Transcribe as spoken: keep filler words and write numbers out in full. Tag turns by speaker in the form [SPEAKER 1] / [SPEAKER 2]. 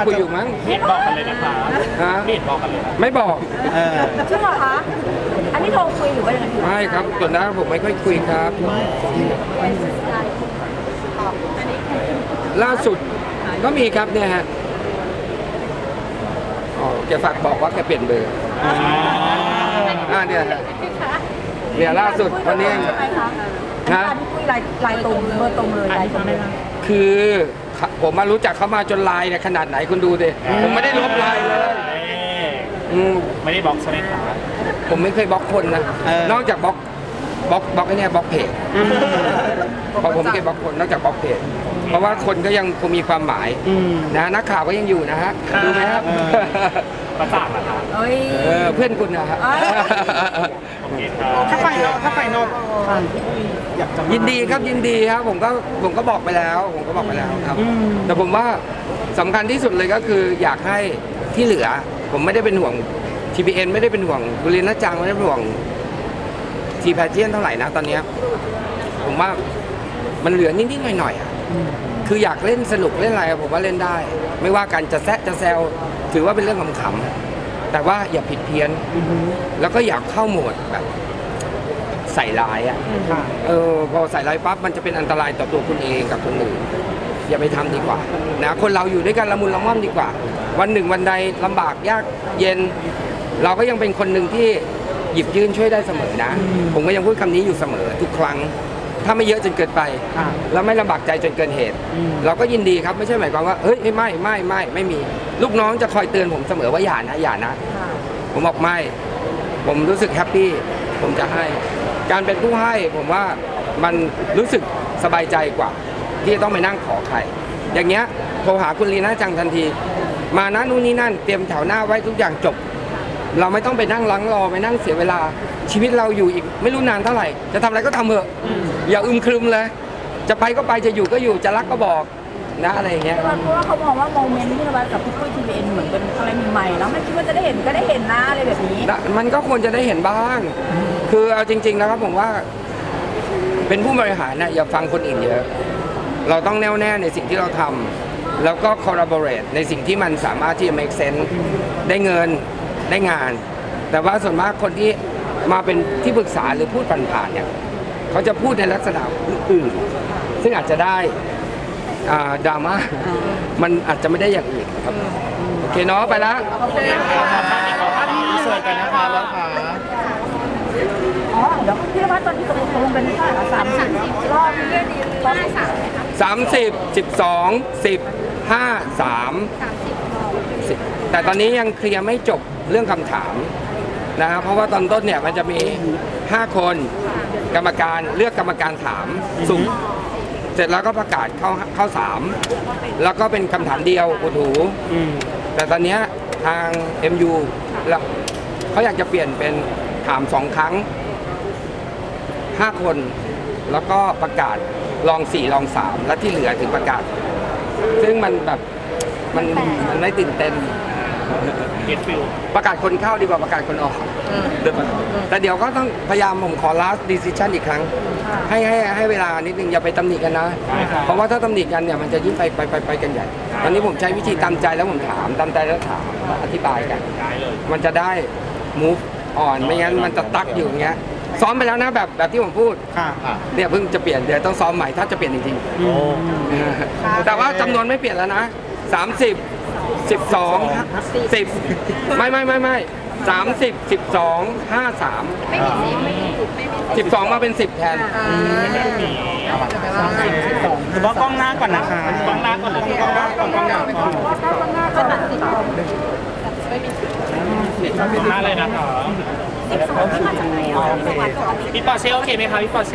[SPEAKER 1] คุยอยู่มั้ง
[SPEAKER 2] ไม่เห็นบอกกันเลยนะคะ
[SPEAKER 1] ฮะ
[SPEAKER 2] ไม่เห็นบอกกันเลยนะ
[SPEAKER 1] ไม่บอก
[SPEAKER 3] เออ
[SPEAKER 4] จริงเหรอคะ อันนี้โทรคุยหรือว่ายังไง
[SPEAKER 1] ไม่ครับส่วนนั้นผมไม่ค่อยคุยครับ ล่าสุดก็มีครับเนี่ยฮะอ๋อแกฝากบอกว่าแกเปลี่ยนเบอร์อ่าเนี่ยฮะเนี่ยล่าสุดวันนี้
[SPEAKER 4] ใช่ไหมคะ
[SPEAKER 1] ฮะ
[SPEAKER 4] อันที่คุยลายลายตรงเบอร์ตรงเลยลายตรงเลย
[SPEAKER 1] คือผมมารู้จักเขามาจนไลน์เนี่ยขนาดไหนคุณดูดิผมไม่ได้ลบไลน์เลยอืม
[SPEAKER 2] ไม่ได้บล็อกใช่ไหมคะ
[SPEAKER 1] ผมไม่เคยบล็อกคนนะ
[SPEAKER 3] เออ
[SPEAKER 1] นอกจากบล็อกบล็อกบล็อกไอ้เนี่ยบล็อกเพจเพราะผมไม่เคยบล็อกคนนอกจากบล็อกเพจเพราะว่าคนก็ยังคงมีความหมาย
[SPEAKER 3] อืม
[SPEAKER 1] นะนักข่าวก็ยังอยู่นะฮะดูไหมครับ
[SPEAKER 2] ประจักษ์นะคะ
[SPEAKER 4] เอ้ย
[SPEAKER 1] เออเพื่อนคุณนะฮะ
[SPEAKER 4] เอ้ย
[SPEAKER 2] โอเคครับ
[SPEAKER 3] ถ้าไฟนอกถ้าไฟนอกทางที่อยากจะมา
[SPEAKER 1] ยินดีครับยินดีครับผมก็ผมก็บอกไปแล้ว ผมก็บอกไปแล้วครับ
[SPEAKER 3] อืม
[SPEAKER 1] แต่ผมว่าสำคัญที่สุดเลยก็คืออยากให้ที่เหลือ ผมไม่ได้เป็นห่วง ที พี เอ็น ไม่ได้เป็นห่วงบุรีรัจังไม่ได้เป็นห่วงทีแพเจียนเท่าไหร่นะตอนเนี้ยผมว่ามันเหลือนิดๆหน่อยๆอะคืออยากเล่นสนุกเล่นอะไรอะผมว่าเล่นได้ ไม่ว่ากันจะแซะจะแซวถือว่าเป็นเรื่องขำๆแต่ว่าอย่าผิดเพี้ยน แล้วก็อยากเข้าโหมดแบบใส่ร้ายอ่ะ
[SPEAKER 3] ค่ะ
[SPEAKER 1] เออพอใส่ร้ายปั๊บมันจะเป็นอันตรายต่อตัวคุณเองกับคนอื่นอย่าไปทำดีกว่านะคนเราอยู่ด้วยกันละมุนละม่อมดีกว่า วันหนึ่งวันใดลำบากยากเย็น เราก็ยังเป็นคนหนึ่งที่หยิบยื่นช่วยได้เสมอนะ ผมก็ยังพูดคำนี้อยู่เสมอทุกครั้ง ถ้าไม่เยอะจนเกินไป
[SPEAKER 3] ค่ะ
[SPEAKER 1] แล้วไม่ลำบากใจจนเกินเหตุ
[SPEAKER 3] อืม
[SPEAKER 1] เราก็ยินดีครับไม่ใช่หมายความว่าเฮ้ยไม่ไม่ไม่ไม่มีลูกน้องจะคอยเตือนผมเสมอว่าอย่านะอย่านะ ผมบอกไม่ ผมรู้สึกแฮปปี้ ผมจะให้ การเป็นผู้ให้ผมว่ามันรู้สึกสบายใจกว่า ที่จะต้องไปนั่งขอใคร อย่างเงี้ยโทรหาคุณลีน่าจังทันที มานะนู่นนี่นั่นเตรียมแถวหน้าไว้ทุกอย่างจบ เราไม่ต้องไปนั่งลังรอไปนั่งเสียเวลา ชีวิตเราอยู่อีกไม่รู้นานเท่าไหร่ จะทำอะไรก็ทำเถอะอย่าอึมครึมเลย จะไปก็ไปจะอยู่ก็อยู่จะรักก็บอกนะอะไรอย่างเงี้ย
[SPEAKER 4] เพราะว่าเขามองว่าโมเมนต์ที่เรากับพี่ปุ้ยทีวีเอ็นเหมือนเป็นอะไรใหม่ๆแล้วไม่คิดว่าจะได้เห็นก็ได้เห็นนะอะไรแบบนี้
[SPEAKER 1] นะมันก็ควรจะได้เห็นบ้าง คือเอาจริงๆนะครับผมว่า เป็นผู้บริหารนะอย่าฟังคนอื่นเยอะ เราต้องแน่วแน่ในสิ่งที่เราทำแล้วก็ collaborate ในสิ่งที่มันสามารถที่จะ make sense ได้เงินได้งาน แต่ว่าส่วนมากคนที่มาเป็นที่ปรึกษาหรือพูดผ่านๆเนี่ยเขาจะพูดในลักษณะอื่นๆซึ่งอาจจะได้อ่าดราม่ามันอาจจะไม่ได้อย่างอื่นครับโอเคเนาะไปแล้ว
[SPEAKER 3] สวยกันนะคะแล้วค่ะ
[SPEAKER 4] อ๋อเดี๋ยวพี่นวัดตอนนี้ตกลงเป็นเท่าไหร่สามสิบรอบนี่ดีรอบที่สาม
[SPEAKER 1] สามสิบสิบสองสิบห้าสามสิบแต่ตอนนี้ยังเคลียร์ไม่จบเรื่องคำถามนะครับเพราะว่าตอนต้นเนี่ยมันจะมีห้าคนกรรมการเลือกกรรมการถามสุ่มเสร็จแล้วก็ประกาศเข้าเข้าสามแล้วก็เป็นคำถามเดียวอุดหู
[SPEAKER 3] อืม
[SPEAKER 1] แต่ตอนเนี้ยทาง เอ็ม ยู แล้วเขาอยากจะเปลี่ยนเป็นถามสองครั้งห้าคน แล้วก็ประกาศลองสี่ลองสามและที่เหลือถึงประกาศ ซึ่งมันแบบมันมันไม่ตื่นเต้น
[SPEAKER 2] เก็ตฟิล
[SPEAKER 1] ประกาศคนเข้าดีกว่าประกาศคนออกแต่เดี๋ยวก็ต้องพยายามผมขอ last decision อีกครั้ง ให้ให้ให้เวลานิดนึงอย่าไปตำหนิกันนะ เพราะว่าถ้าตำหนิกันเนี่ยมันจะยิ่งไปไปไปไปกันใหญ่ ตอนนี้ผมใช้วิธีตามใจแล้วผมถามตามใจแล้วถามแล้วอธิบายกัน
[SPEAKER 2] ได้เลย
[SPEAKER 1] มันจะได้ move on ไม่งั้นมันจะตักอยู่อย่างเงี้ยซ้อมไปแล้วนะแบบแบบที่ผมพูด
[SPEAKER 3] ค่ะค่ะ
[SPEAKER 1] เนี่ยเพิ่งจะเปลี่ยนเดี๋ยวต้องซ้อมใหม่ถ้าจะเปลี่ยนจริง
[SPEAKER 3] อืม
[SPEAKER 1] ๆ แต่ว่าจำนวนไม่เปลี่ยนแล้วนะสามสิบสิบสองสิบไม่ไม่ไม่ไม่สามสิบสิบสองห้าสามสิบสองมาเป็นสิบแทน
[SPEAKER 3] หรือว่ากล้องหน้าก่อนนะคะ
[SPEAKER 2] กล้องหน้าก่อนเลย
[SPEAKER 3] กล้องหน้าก่อนกล้องหน้าก่อน
[SPEAKER 2] กล้องหน้าเลยนะคะพี่ปอเช่โอเคไหมคะพี่ปอเช่